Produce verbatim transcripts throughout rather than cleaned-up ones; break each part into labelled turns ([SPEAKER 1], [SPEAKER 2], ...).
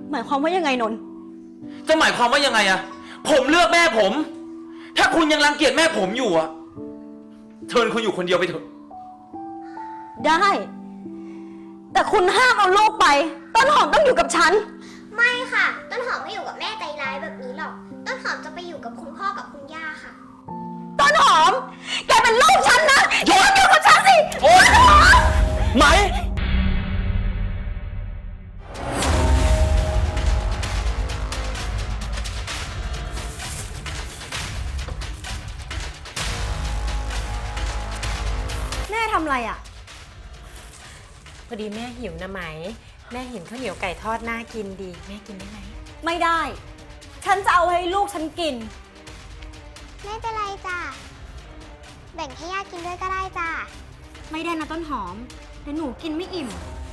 [SPEAKER 1] หมายความว่ายังไงนนท์
[SPEAKER 2] จะหมายความว่ายังไงอะผมเลือกแม่ผม ถ้าคุณยังรังเกียจแม่ผมอยู่อะเชิญคุณอยู่คนเดียวไปเถอะ
[SPEAKER 1] ได้ แต่คุณห้ามเอาลูกไปต้นหอมต้องอยู่กับฉัน
[SPEAKER 3] ไม่ค่ะต้นหอมไม่อยู่กับแม่ใจร้ายแบบนี้หรอกต้นหอมจะไปอยู่กับคุณพ่อกับคุณย่าค่ะ
[SPEAKER 1] ต้นหอมแกเป็นลูกฉันนะแกต้องอยู่กับฉันสิ
[SPEAKER 2] โอ๊ยไหม
[SPEAKER 1] แม่ทำอะไรอ่ะ
[SPEAKER 4] พอดีแม่หิวนะไหมแม่เห็นข้าวเหนียวไก่ทอดน่ากินดีแม่กินได้ไหม
[SPEAKER 1] ไม่ได้ฉันจะเอาให้ลูกฉันกิน
[SPEAKER 3] ไม่เป็นไรจ้ะแบ่งให้ย่ากินด้วยก็ได้จ้ะ
[SPEAKER 1] ไม่ได้นะต้นหอมเดี๋ยวหนูกินไม่อิ่ม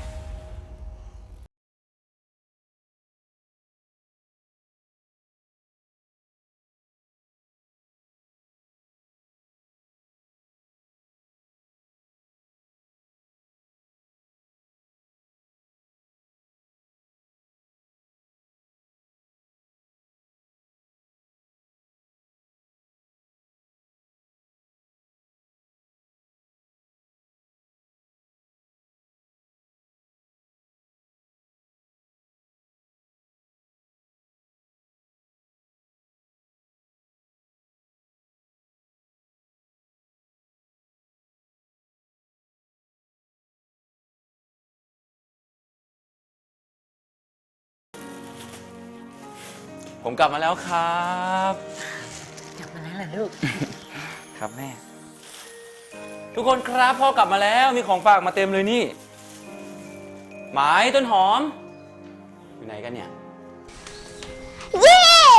[SPEAKER 2] ผมกลับมาแล้วครับ
[SPEAKER 4] กลับมาแล้วเหรอลูก
[SPEAKER 2] ครับแม่ทุกคนครับพ่อกลับมาแล้วมีของฝากมาเต็มเลยนี่หมายต้นหอมอยู่ไหนกันเนี่ย
[SPEAKER 3] เย้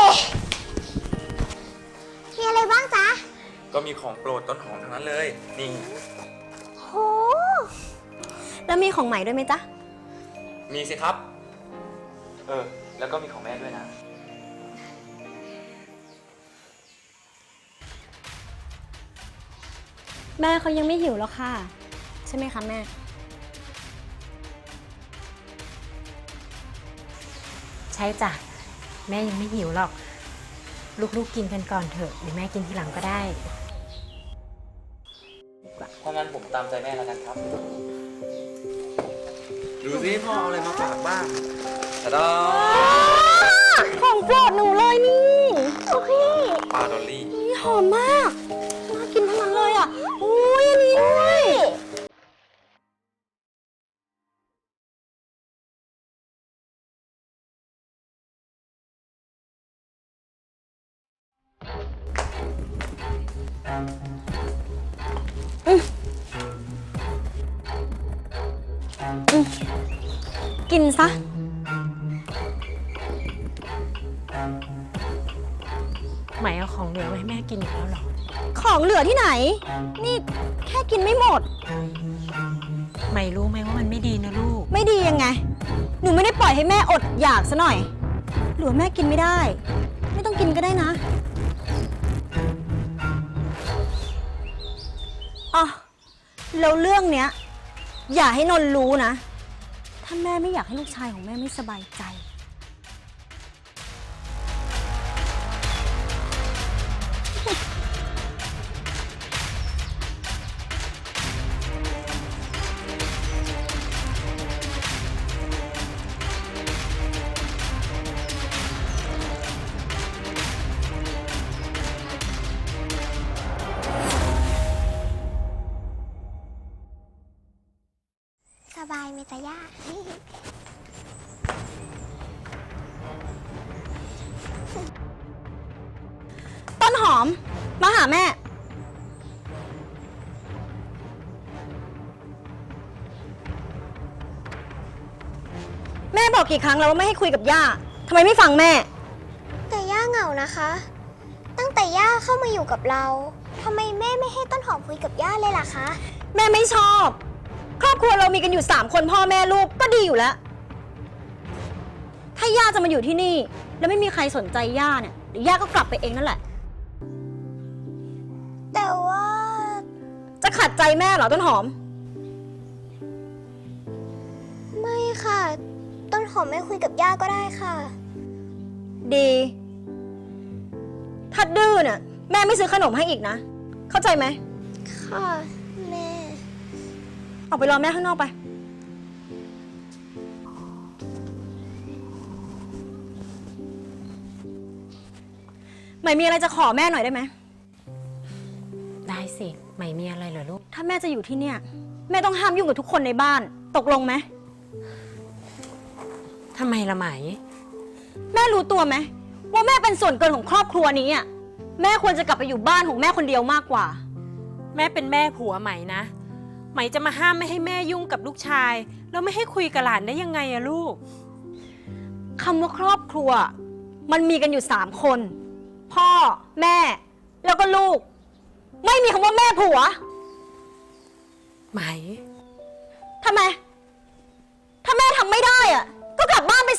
[SPEAKER 3] มีอะไรบ้างจ๊ะ
[SPEAKER 2] ก็มีของโปรดต้นหอมทั้งนั้นเลยนี่
[SPEAKER 3] โห
[SPEAKER 1] แล้วมีของใหม่ด้วยไหมจ๊ะ
[SPEAKER 2] มีสิครับเออแล้วก็มีของแม่ด้วยนะ
[SPEAKER 1] แม่เขายังไม่หิวแล้วค่ะใช่ไหมคะแม่
[SPEAKER 4] ใช่จ้ะแม่ยังไม่หิวหรอกลูกๆกินกันก่อนเถอะหรือแม่กินทีหลังก็ได้
[SPEAKER 2] ถ้างั้นผมตามใจแม่แล้วกันครับดูสิพ่อเอาอะไรมาฝากบ้างตาดา
[SPEAKER 1] ของโปรดหนูเลยนี่โอเค
[SPEAKER 2] ปลาดอลลี่
[SPEAKER 1] หอมมากน่ากินทั้งนั้นเลยอ่ะอุ้ยอันนี้ด้วยกินซะ
[SPEAKER 4] ไหมเอาของเหลือไว้ให้แม่กินอีกแล้วหรอ
[SPEAKER 1] ของเหลือที่ไหนนี่แค่กินไม่หมด
[SPEAKER 4] ไหมรู้ไหมว่ามันไม่ดีนะลูก
[SPEAKER 1] ไม่ดียังไงหนูไม่ได้ปล่อยให้แม่อดอยากซะหน่อยหรือแม่กินไม่ได้ไม่ต้องกินก็ได้นะอ๋อแล้วเรื่องเนี้ยอย่าให้นนท์รู้นะถ้าแม่ไม่อยากให้ลูกชายของแม่ไม่สบายใจ
[SPEAKER 3] สบายไหมจ๊ะย่า
[SPEAKER 1] ต้นหอมมาหาแม่แม่บอกกี่ครั้งแล้วว่าไม่ให้คุยกับย่าทำไมไม่ฟังแม่
[SPEAKER 3] แต่ย่าเหงานะคะ ตั้งแต่ย่าเข้ามาอยู่กับเราทำไมแม่ไม่ให้ต้นหอมคุยกับย่าเลยล่ะคะ
[SPEAKER 1] แม่ไม่ชอบครอบครัวเรามีกันอยู่สามคนพ่อแม่ลูกก็ดีอยู่แล้วถ้าย่าจะมาอยู่ที่นี่แล้วไม่มีใครสนใจย่าเนี่ยเดี๋ยวย่าก็กลับไปเองนั่นแหละ
[SPEAKER 3] แต่ว่า
[SPEAKER 1] จะขัดใจแม่เหรอต้นหอม
[SPEAKER 3] ไม่ค่ะต้นหหอมไม่คุยกับย่าก็ได้ค่ะ
[SPEAKER 1] ดี ถ้าดื้อเนี่ยแม่ไม่ซื้อขนมให้อีกนะ เข้าใจไหม
[SPEAKER 3] ค่ะ แม่
[SPEAKER 1] ออกไปรอแม่ข้างนอกไป ใหม่มีอะไรจะขอแม่หน่อยได้ไหม
[SPEAKER 4] ได้สิไหมมีอะไรเหรอลูก
[SPEAKER 1] ถ้าแม่จะอยู่ที่เนี่ย แม่ต้องห้ามยุ่งกับทุกคนในบ้าน ตกลงไหม
[SPEAKER 4] ทำไมละไหม
[SPEAKER 1] แม่รู้ตัวไหมว่าแม่เป็นส่วนเกินของครอบครัวนี้อ่ะ แม่ควรจะกลับไปอยู่บ้านของแม่คนเดียวมากกว่า
[SPEAKER 4] แม่เป็นแม่ผัวไหมนะ ไหมจะมาห้ามไม่ให้แม่ยุ่งกับลูกชาย แล้วไม่ให้คุยกับหลานได้ยังไงอะลูก
[SPEAKER 1] คำว่าครอบครัว มันมีกันอยู่สามคน พ่อ แม่ แล้วก็ลูก ไม่มีคำว่าแม่ผัว
[SPEAKER 4] ไหม
[SPEAKER 1] ทำไม ถ้าแม่ทำไม่ได้อ่ะ ก็กลับบ้านไปสิ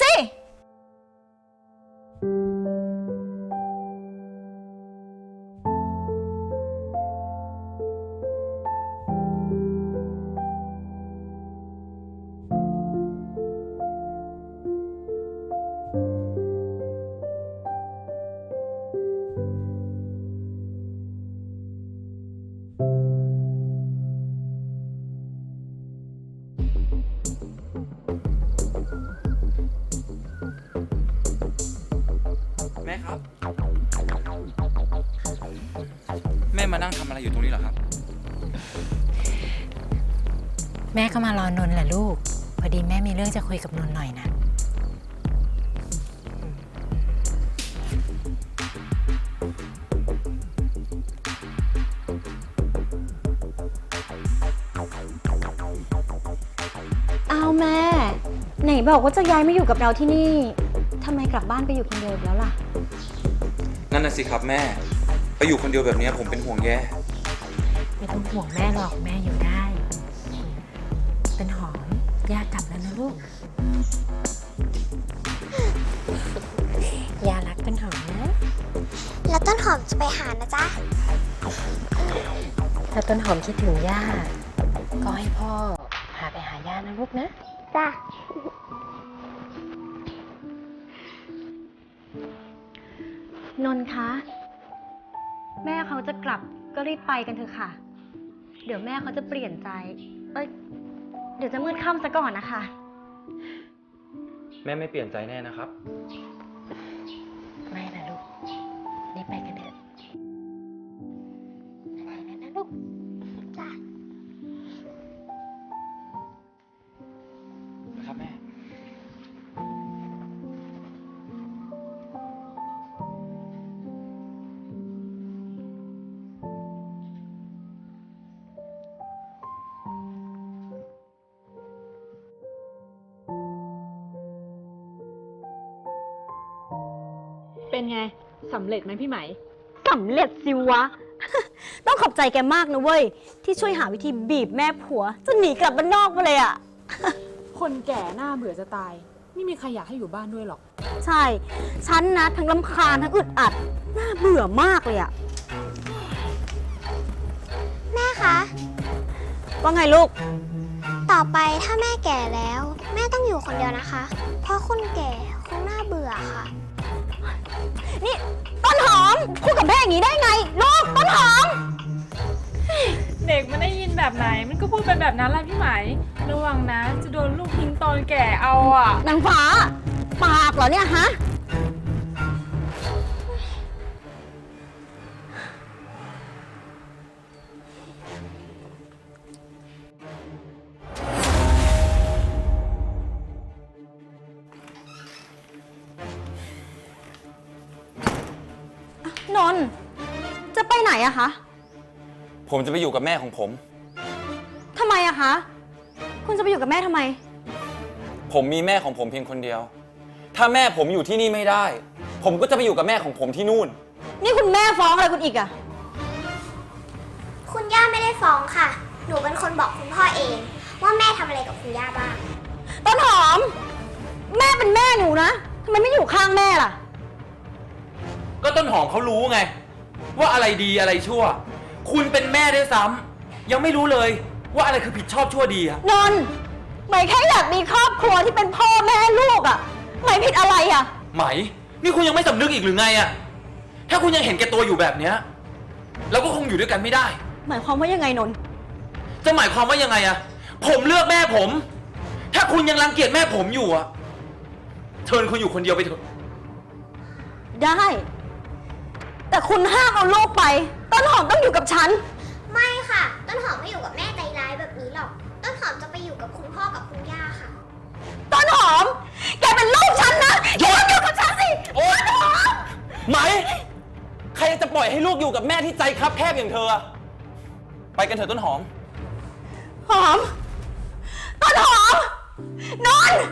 [SPEAKER 2] แม่ครับ แม่มานั่งทำอะไรอยู่ตรงนี้เหรอครับ
[SPEAKER 4] แม่ก็มารอนนท์แหละลูก พอดีแม่มีเรื่องจะคุยกับนนท์หน่อยนะ
[SPEAKER 1] เอาแม่ ไหนบอกว่าจะย้ายมาอยู่กับเราที่นี่ทำไมกลับบ้านไปอยู่คนเดียวอีกแล้วล่ะ
[SPEAKER 2] นั่นน่ะสิครับแม่ ไปอยู่คนเดียวแบบนี้ผมเป็นห่วงแย่
[SPEAKER 4] ไม่ต้องห่วงแม่หรอกแม่อยู่ได้ เป็นหอมย่ากลับแล้วนะลูก ย่ารักเป็นหอมนะ
[SPEAKER 3] แล้วต้นหอมจะไปหานะจ๊ะ
[SPEAKER 4] ถ้าต้นหอมคิดถึงย่า ก็ให้พ่อพาไปหาย่านะลูกนะ
[SPEAKER 3] จ้ะ
[SPEAKER 1] นนท์คะ แม่เขาจะกลับก็รีบไปกันเถอะค่ะ เดี๋ยวแม่เขาจะเปลี่ยนใจ เอ้ย เดี๋ยวจะมืดค่ำซะก่อนนะคะ
[SPEAKER 2] แม่ไม่เปลี่ยนใจแน่นะครับ
[SPEAKER 4] ไม่นะลูก รีบไปกันเถอะไปกันนะลูก
[SPEAKER 3] จ้ะ
[SPEAKER 2] ครับแม่
[SPEAKER 5] เป็นไง สำเร็จไหมพี่ไหม
[SPEAKER 1] สำเร็จสิวะ ต้องขอบใจแกมากนะเว้ย ที่ช่วยหาวิธีบีบแม่ผัวจนหนีกลับบ้านนอกมาเลยอะ
[SPEAKER 5] คนแก่หน้าเบื่อจะตาย ไม่มีใครอยากให้อยู่บ้านด้วยหรอก
[SPEAKER 1] ใช่ ฉันนะทั้งรำคาญทั้งอึดอัด น่าเบื่อมากเลยอะ
[SPEAKER 3] แม่คะ
[SPEAKER 1] ว่าไงลูก
[SPEAKER 3] ต่อไปถ้าแม่แก่แล้ว แม่ต้องอยู่คนเดียวนะคะ เพราะคนแก่คงน่าเบื่อค่ะ
[SPEAKER 1] นี่ต้นหอมพูดกับแม่อย่างนี้ได้ไง ลูกต้นหอม
[SPEAKER 5] เด็กมันได้ยินแบบไหน มันก็พูดเป็นแบบนั้นแหละพี่ไหม ระวังนะ จะโดนลูกทิ้งตอนแก่เอาอ่ะ
[SPEAKER 1] นางฟ้า ปากเหรอเนี่ยฮะ นนท์จะไปไหนอะคะ
[SPEAKER 2] ผมจะไปอยู่กับแม่ของผม
[SPEAKER 1] ทำไมอะคะ คุณจะไปอยู่กับแม่ทำไม
[SPEAKER 2] ผมมีแม่ของผมเพียงคนเดียว ถ้าแม่ผมอยู่ที่นี่ไม่ได้ ผมก็จะไปอยู่กับแม่ของผมที่นู่น
[SPEAKER 1] นี่คุณแม่ฟ้องอะไรคุณอีกอะ
[SPEAKER 3] คุณย่าไม่ได้ฟ้องค่ะ หนูเป็นคนบอกคุณพ่อเอง ว่าแม่ทำอะไรกับคุณย่าบ้าง
[SPEAKER 1] ต้นหอม แม่เป็นแม่หนูนะทำไมไม่อยู่ข้างแม่ล่ะ
[SPEAKER 2] ก็ต้นหอมเขารู้ไง ว่าอะไรดีอะไรชั่ว คุณเป็นแม่ด้วยซ้ำยังไม่รู้เลยว่าอะไรคือผิดชอบชั่วดีอะ
[SPEAKER 1] นนท์ไหมแค่อยากมีครอบครัวที่เป็นพ่อแม่ลูกอะไหมผิดอะไรอะ
[SPEAKER 2] ไหม นี่คุณยังไม่สำนึกอีกหรือไงอะถ้าคุณยังเห็นแก่ตัวอยู่แบบเนี้ยเราก็คงอยู่ด้วยกันไม่ได้
[SPEAKER 1] หมายความว่ายังไงนนท์
[SPEAKER 2] จะหมายความว่ายังไงอะผมเลือกแม่ผม ถ้าคุณยังรังเกียจแม่ผมอยู่อะเชิญคุณอยู่คนเดียวไปเถอะ
[SPEAKER 1] ได้ แต่คุณห้ามเอาลูกไป ต้นหอมต้องอยู่กับฉัน
[SPEAKER 3] ไม่ค่ะ ต้นหอมไม่อยู่กับแม่ใจร้ายแบบนี้หรอก ต้นหอมจะไปอยู่กับคุณพ่อกับคุณย่าค่ะ
[SPEAKER 1] ต้นหอม แกเป็นลูกฉันนะแกต้องอยู่กับฉันสิ
[SPEAKER 2] โอ๊ย
[SPEAKER 1] ต้นหอม
[SPEAKER 2] ไหม ใครจะปล่อยให้ลูกอยู่กับแม่ที่ใจคับแคบอย่างเธออะไปกันเถอะต้นหอม
[SPEAKER 1] หอม ต้นหอม นนท์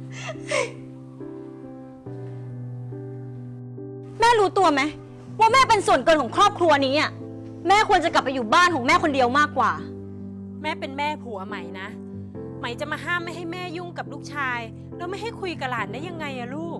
[SPEAKER 1] แม่รู้ตัวไหมว่าแม่เป็นส่วนเกินของครอบครัวนี้อ่ะ แม่ควรจะกลับไปอยู่บ้านของแม่คนเดียวมากกว่า
[SPEAKER 4] แม่เป็นแม่ผัวไหมนะ ไหมจะมาห้ามไม่ให้แม่ยุ่งกับลูกชาย แล้วไม่ให้คุยกับหลานได้ยังไงอะลูก